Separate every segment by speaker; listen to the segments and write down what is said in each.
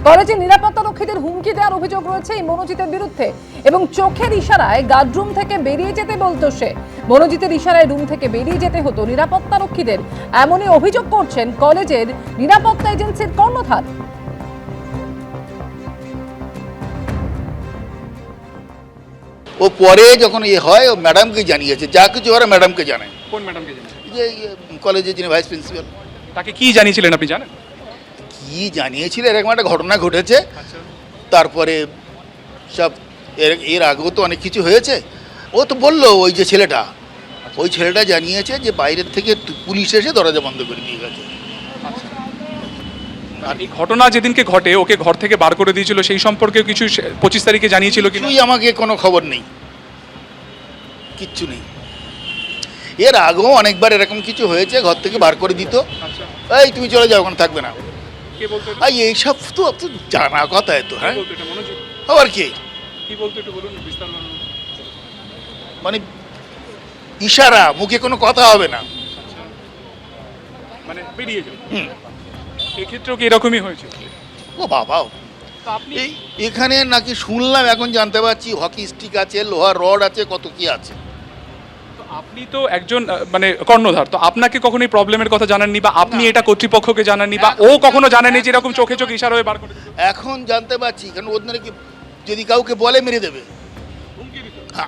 Speaker 1: কলেজে নিরাপত্তা রক্ষীদের হুমকি দেওয়ার অভিযোগ রয়েছে এই মনোজিতের বিরুদ্ধে এবং চোখের ইশারায় গার্ডরুম থেকে বেরিয়ে যেতে বলতো সে। মনোজিতের ইশারায় রুম থেকে বেরিয়ে যেতে হতো নিরাপত্তা রক্ষীদের, এমনই অভিযোগ করছেন কলেজের নিরাপত্তা এজেন্সির কর্ণধার।
Speaker 2: ও পরে যখন হয় ও ম্যাডামকে জানিয়েছে, যা কিছু ওরা ম্যাডামকে জানায়।
Speaker 3: কোন ম্যাডামকে জানেন?
Speaker 2: যে কলেজে যিনি ভাইস প্রিন্সিপাল।
Speaker 3: তাকে কি জানিয়েছিলেন আপনি জানেন?
Speaker 2: কি জানিয়েছিল, এরকম একটা ঘটনা ঘটেছে, তারপরে সব এর আগেও তো অনেক কিছু হয়েছে। ও তো বললো ওই যে ছেলেটা, ওই ছেলেটা জানিয়েছে যে বাইরের থেকে পুলিশ এসে দরজা বন্ধ করে দিয়ে গেছে।
Speaker 3: আর এই ঘটনা যেদিনকে ঘটে ওকে ঘর থেকে বার করে দিয়েছিল সেই সম্পর্কে কিছু 25 তারিখে জানিয়েছিল কি?
Speaker 2: কিছুই আমাকে কোনো খবর নেই, কিচ্ছু নেই। এর আগেও অনেকবার এরকম কিছু হয়েছে, ঘর থেকে বার করে দিত, এই তুমি চলে যাও, ওখানে থাকবে না।
Speaker 3: কে বলতো?
Speaker 2: এইসব তো জানা কথা, তো হ্যাঁ,
Speaker 3: এটা মনোজিৎ
Speaker 2: আবার কি
Speaker 3: কি বলতো একটু বলুন বিস্তারিত।
Speaker 2: মানে ইশারা, মুখে কোনো কথা হবে না,
Speaker 3: মানে বেরিয়ে যাও। এক্ষেত্রেও কি এরকমই হয়েছে?
Speaker 2: ও বাবা,
Speaker 3: আপনি
Speaker 2: এখানে নাকি শুনলাম, এখন জানতে পারছি হকি স্টিক আছে, লোহার রড আছে, কত কি আছে।
Speaker 3: আপনি তো একজন মানে কর্ণধার, তো আপনাকে কখনো এই প্রবলেমের কথা জানাননি বা আপনি এটা কর্তৃপক্ষকে জানাননি বা ও কখনো জানেনি যে এরকম চোখে চোখে ইশারা হয়ে বার করে দিত?
Speaker 2: এখন জানতে পারছি, কারণ ওদের নাকি যদি কাউকে বলে মেরে দেবে। হ্যাঁ,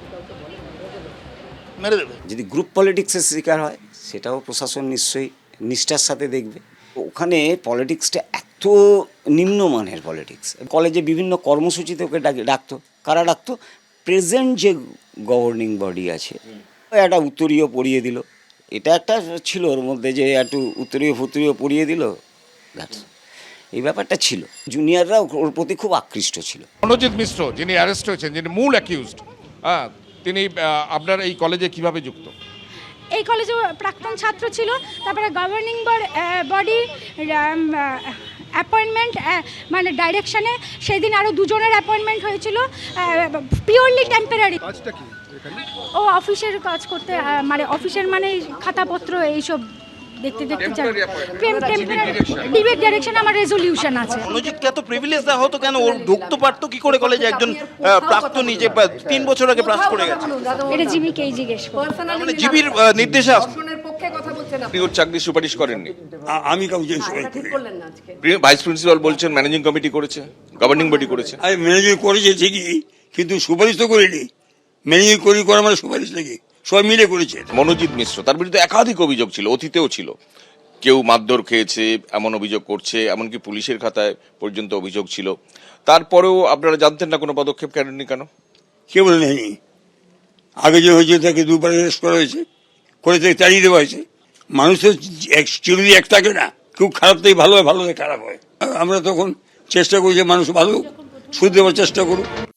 Speaker 2: মেরে দেবে।
Speaker 4: যদি গ্রুপ পলিটিক্সের শিকার হয় সেটাও প্রশাসন নিশ্চয়ই নিষ্ঠার সাথে দেখবে। ওখানে পলিটিক্সটা এত নিম্নমানের পলিটিক্স। কলেজে বিভিন্ন কর্মসূচিতে ওকে ডাকতো। কারা ডাকতো? প্রেজেন্ট যে গভর্নিং বডি আছে, একটা উত্তরীয় পড়িয়ে দিল। এটা একটা ছিল ওর মধ্যে, যে একটু উত্তরীয় পড়িয়ে দিল, এই ব্যাপারটা ছিল। জুনিয়ররা ওর প্রতি খুব আকৃষ্ট ছিল।
Speaker 5: মনোজিৎ মিশ্র যিনি অ্যারেস্ট হয়েছেন, যিনি মূল অ্যাকিউজড, তিনি আপনার এই কলেজে কিভাবে যুক্ত?
Speaker 6: এই কলেজে প্রাক্তন ছাত্র ছিল, তারপরে গভর্নিং বডি অ্যাপয়েন্টমেন্ট মানে ডাইরেকশনে সেদিন আরও দুজনের অ্যাপয়েন্টমেন্ট হয়েছিল, পিওরলি টেম্পোরারি। ও অফিসের কাজ করতে, মানে অফিসের মানে খাতাপত্র এইসব দেখতে চাই। ডিবেট ডাইরেকশন আমার রেজলিউশন আছে।
Speaker 7: মনোজিৎকে এত প্রিভিলেজ দেওয়া হতো কেন? ওর ঢুকতে পারতো কি করে কলেজে একজন প্রাক্তনী যে 3 বছর আগে পাস করে গেছে?
Speaker 6: এটা জিবিকেই জিজ্ঞেস করুন।
Speaker 7: মানে জিবির নির্দেশে
Speaker 8: আপনি ওর চাকরি সুপারিশ করেননি?
Speaker 9: আমি কাউকে
Speaker 8: ভাইস প্রিন্সিপাল বলছেন ম্যানেজিং কমিটি করেছে, গভর্নিং বডি করেছে।
Speaker 9: আমি ম্যানেজিং করেছি ঠিকই, কিন্তু সুপারিশ তো করিনি। ম্যানেজিং করা মানে সুপারিশ নাকি? সবাই মিলে করেছে।
Speaker 8: মনোজিৎ মিশ্র, তার বিরুদ্ধে একাধিক অভিযোগ ছিল, অতীতেও ছিল। কেউ মারধর খেয়েছে এমন অভিযোগ করছে, এমনকি পুলিশের খাতায় পর্যন্ত অভিযোগ ছিল। তারপরেও আপনারা জানতেন না, কোনো পদক্ষেপ করেননি কেন?
Speaker 9: কে বলে নেয়নি? আগে যে হয়েছে তাকে দুবার অ্যারেস্ট করা হয়েছে, করে থেকে তাড়িয়ে দেওয়া হয়েছে। মানুষ তো চিরদিন এক থাকে না, কেউ খারাপ থেকে ভালো হয়, ভালো থেকে খারাপ হয়। আমরা তখন চেষ্টা করি যে মানুষ ভালো শুধু দেওয়ার চেষ্টা করুক।